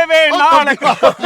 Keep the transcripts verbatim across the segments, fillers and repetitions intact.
ਮੇਵੇ ਨਾਲ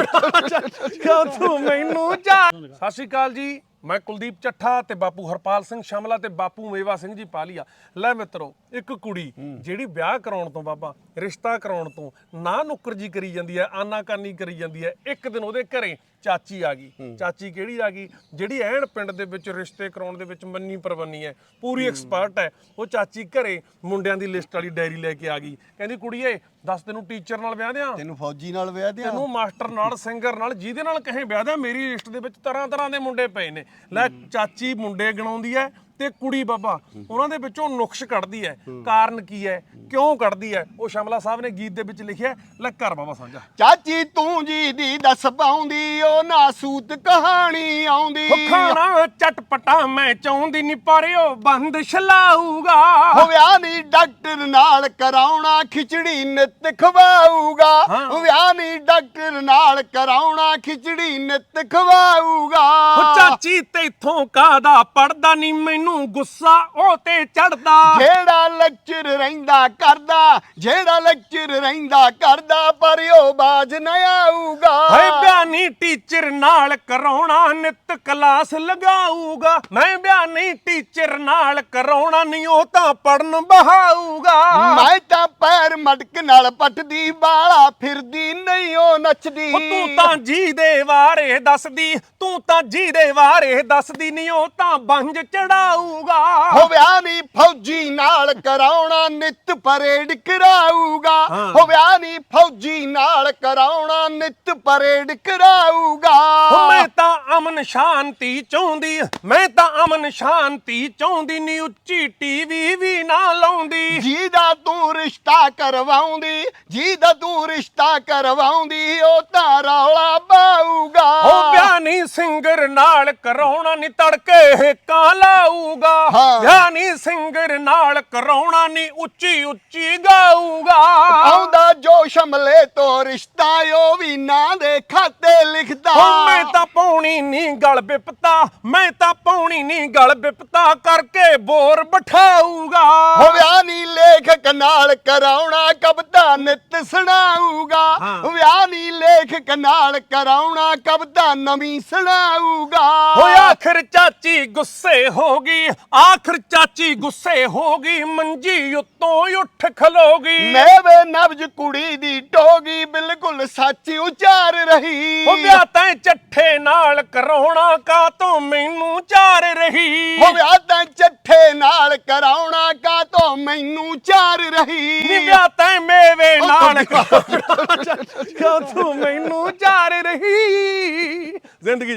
ਕਿਉਂ ਤੂੰ ਮੈਨੂੰ ਜਾ। ਸਤਿ ਸ਼੍ਰੀ ਅਕਾਲ ਜੀ, ਮੈਂ ਕੁਲਦੀਪ ਚੱਠਾ ਤੇ ਬਾਪੂ ਹਰਪਾਲ ਸਿੰਘ ਸ਼ਮਲਾ ਤੇ ਬਾਪੂ ਮੇਵਾ ਸਿੰਘ ਜੀ ਪਾਲੀਆ। ਲੈ ਮਿੱਤਰੋ, ਇੱਕ ਕੁੜੀ ਜਿਹੜੀ ਵਿਆਹ ਕਰਾਉਣ ਤੋਂ ਬਾਬਾ ਰਿਸ਼ਤਾ ਕਰਾਉਣ ਤੋਂ ਨਾ ਨੁੱਕਰ ਜੀ ਕਰੀ ਜਾਂਦੀ ਹੈ, ਆਨਾਕਾਨੀ ਕਰੀ ਜਾਂਦੀ ਹੈ। ਇੱਕ ਦਿਨ ਉਹਦੇ ਘਰੇ ਚਾਚੀ ਆ ਗਈ। ਚਾਚੀ ਕਿਹੜੀ ਆ ਗਈ? ਜਿਹੜੀ ਐਨ ਪਿੰਡ ਦੇ ਵਿੱਚ ਰਿਸ਼ਤੇ ਕਰਾਉਣ ਦੇ ਵਿੱਚ ਮੰਨੀ ਪ੍ਰਵੰਨੀ ਹੈ, ਪੂਰੀ ਐਕਸਪਰਟ ਹੈ। ਉਹ ਚਾਚੀ ਘਰੇ ਮੁੰਡਿਆਂ ਦੀ ਲਿਸਟ ਵਾਲੀ ਡਾਇਰੀ ਲੈ ਕੇ ਆ ਗਈ। ਕਹਿੰਦੀ ਕੁੜੀਏ ਦੱਸ, ਤੈਨੂੰ ਟੀਚਰ ਨਾਲ ਵਿਆਹ ਦਿਆਂ, ਤੈਨੂੰ ਫੌਜੀ ਨਾਲ ਵਿਆਹ ਦਿਆਂ, ਤੈਨੂੰ ਮਾਸਟਰ ਨਾਲ, ਸਿੰਗਰ ਨਾਲ, ਜਿਹਦੇ ਨਾਲ ਕਹੇ ਵਿਆਹ ਦਿਆਂ। ਮੇਰੀ ਲਿਸਟ ਦੇ ਵਿੱਚ ਤਰ੍ਹਾਂ ਤਰ੍ਹਾਂ ਦੇ ਮੁੰਡੇ ਪਏ ਨੇ। ਲੈ ਚਾਚੀ ਮੁੰਡੇ ਗਿਣਾਉਂਦੀ ਹੈ ਤੇ ਕੁੜੀ ਬਾਬਾ ਉਹਨਾਂ ਦੇ ਵਿੱਚੋਂ ਨੁਕਸ਼ ਕੱਢਦੀ ਹੈ। ਕਾਰਨ ਕੀ ਹੈ, ਕਿਉਂ ਕੱਢਦੀ ਹੈ, ਉਹ ਸ਼ਮਲਾ ਸਾਹਿਬ ਨੇ ਗੀਤ ਦੇ ਵਿੱਚ ਲਿਖਿਆ। ਲੈ ਘਰ ਬਾਬਾ ਸਾਂਝਾ। ਚਾਚੀ ਤੂੰ ਜੀ ਦੀ ਦੱਸ ਪਾਉਂਦੀ, ਉਹ ਨਾਸੂਤ ਕਹਾਣੀ ਆਉਂਦੀ। ਖਾਣਾ ਚਟਪਟਾ ਮੈਂ ਚਾਹੁੰਦੀ ਨਹੀਂ, ਪਰ ਉਹ ਬੰਦ ਛਲਾਊਗਾ। ਹੋ ਵਿਆਹ ਨਹੀਂ ਡਾਕਟਰ ਨਾਲ ਕਰਾਉਣਾ, ਖਿਚੜੀ ਨਿੱਤ ਖਵਾਊਗਾ। ਵਿਆਹ ਨਹੀਂ ਡਾਕਟਰ ਨਾਲ ਕਰਾਉਣਾ, ਖਿਚੜੀ ਨਿੱਤ ਖਵਾਊਗਾ। ਚਾਚੀ ਤੇਥੋਂ ਕਾਹਦਾ ਪੜਦਾ ਨਹੀਂ, ਮੈਨੂੰ ਗੁੱਸਾ ਉਹ ਤੇ ਚੜਦਾ। ਜਿਹੜਾ ਲੈਕਚਰ ਰਹਿੰਦਾ ਕਰਦਾ, ਜਿਹੜਾ ਲੈਕਚਰ ਰਹਿੰਦਾ ਕਰਦਾ, ਪਰ ਉਹ ਬਾਜ ਨਾ ਆਊਗਾ। ਹਏ ਬਿਆਨੀ ਟੀਚਰ ਨਾਲ ਕਰਾਉਣਾ, ਨਿੱਤ ਕਲਾਸ ਲਗਾਊਗਾ। ਮੈਂ ਬਿਆਨੀ ਟੀਚਰ ਨਾਲ ਕਰਾਉਣਾ ਨਹੀਂ, ਉਹ ਤਾਂ ਪੜਨ ਬਹਾਊਗਾ। ਮੈਂ ਤਾਂ ਪੈਰ ਮਟਕ ਨਾਲ ਪੱਟਦੀ, ਬਾਲਾ ਫਿਰਦੀ ਨਹੀਂ ਉਹ ਨੱਚਦੀ। ਤੂੰ ਤਾਂ ਜੀ ਦੇ ਵਾਰੇ ਦੱਸਦੀ, ਤੂੰ ਤਾਂ ਜੀ ਦੇ ਵਾਰੇ ਦੱਸਦੀ ਨਹੀਂ, ਉਹ ਤਾਂ ਬੰਜ ਚੜਾਊਗਾ। ਹੋ ਵਿਆਹ ਨਹੀਂ ਫੌਜੀ ਨਾਲ ਕਰਾਉਣਾ, ਨਿੱਤ ਪਰੇਡ ਕਰਾਊਗਾ। ਹੋ ਵਿਆਹ ਨਹੀਂ ਫੌਜੀ ਨਾਲ ਕਰਾਉਣਾ, ਨਿੱਤ ਪਰੇਡ ਕਰਾਊਗਾ। ਮੈਂ ਤਾਂ ਅਮਨ ਸ਼ਾਂਤੀ ਚਾਹੁੰਦੀ, ਮੈਂ ਤਾਂ ਅਮਨ ਸ਼ਾਂਤੀ ਚਾਹੁੰਦੀ ਨਹੀਂ, ਉੱਚੀ ਟੀਵੀ ਵੀ ਨਾ ਲਾਉਂਦੀ। ਜਿਹਦਾ ਤੂੰ ਰਿਸ਼ਤਾ ਕਰਵਾਉਂਦੀ, ਜਿਹਦਾ ਤੂੰ ਰਿਸ਼ਤਾ ਕਰਵਾਉਂਦੀ, ਉਹ ਤਾਂ ਰੌਲਾ ਪਾਊਗਾ। ਉਹ ਵਿਆਹ ਨਹੀਂ ਸਿੰਗਰ ਨਾਲ ਕਰਾਉਣਾ ਨਹੀਂ, ਤੜਕੇ ਕਾਂ ਲਾਊਗਾ। ਵਿਆਹ ਨਹੀਂ ਸਿੰਗਰ ਨਾਲ ਕਰਾਉਣਾ ਨਹੀਂ, ਉੱਚੀ ਉੱਚੀ ਗਾਊਗਾ। ਆਉਂਦਾ ਜੋ ਸ਼ਮਲੇ ਤੋਂ ਰਿਸ਼ਤਾ, ਉਹ ਵੀ ਨਾਂ ਦੇ ਖਾਤੇ ਲਿਖਦਾ। ਮੈਂ ਤਾਂ ਪਾਉਣੀ ਨਹੀਂ ਗਲ ਬਿਪਤਾ, ਮੈਂ ਤਾਂ ਪਾਉਣੀ ਨਹੀਂ ਗਲ ਬਿਪਤਾ, ਕਰਕੇ ਬੋਰ ਬਿਠਾਊਗਾ। ਹੋ ਵਿਆਹ ਨਹੀਂ ਲੇਖਕ ਨਾਲ ਕਰਾਉਣਾ, ਕਵਿਤਾ ਨਿੱਤ ਸੁਣਾਊਗਾ। ਵਿਆਹ ਨਹੀਂ ਲੇਖਕ ਨਾਲ ਕਰਾਉਣਾ, ਕਵਿਤਾ ਨਵੀਂ ਸੁਣਾਊਗਾ। ਹੋਏ ਆਖਰ ਚਾਚੀ ਗੁੱਸੇ ਹੋ ਗਈ, ਆਖਰ ਚਾਚੀ ਗੁੱਸੇ ਹੋ ਗਈ, ਮੰਜੀ ਉੱਤੋਂ ਉੱਠ ਖਲੋਗੀ। ਮੇਵੇ ਨਬਜ ਕੁੜੀ ਦੀ ਟੋਗੀ, ਬਿਲਕੁਲ ਸੱਚ ਉਚਾਰ ਰਹੀ। ਹੋ ਵਿਆਹ ਤੈਂ ਚੱਠੇ ਨਾਲ ਕਰਾਉਣਾ, ਕਾਤੋਂ ਮੈਨੂੰ ਚਾਰ ਰਹੀ। ਹੋ ਵਿਆਹ ਤੈਂ ਚੱਠੇ ਨਾਲ ਕਰਾਉਣਾ, ਕਾਤੋਂ ਮੈਨੂੰ ਚਾਰ ਰਹੀ। ਨੀ ਵਿਆਹ ਤੈਂ ਮੇਵੇ ਨਾਲ ਕਰਾਉਣਾ, ਕਿਉਂ ਤੂੰ ਮੈਨੂੰ ਚਾਰ ਰਹੀ। ਜ਼ਿੰਦਗੀ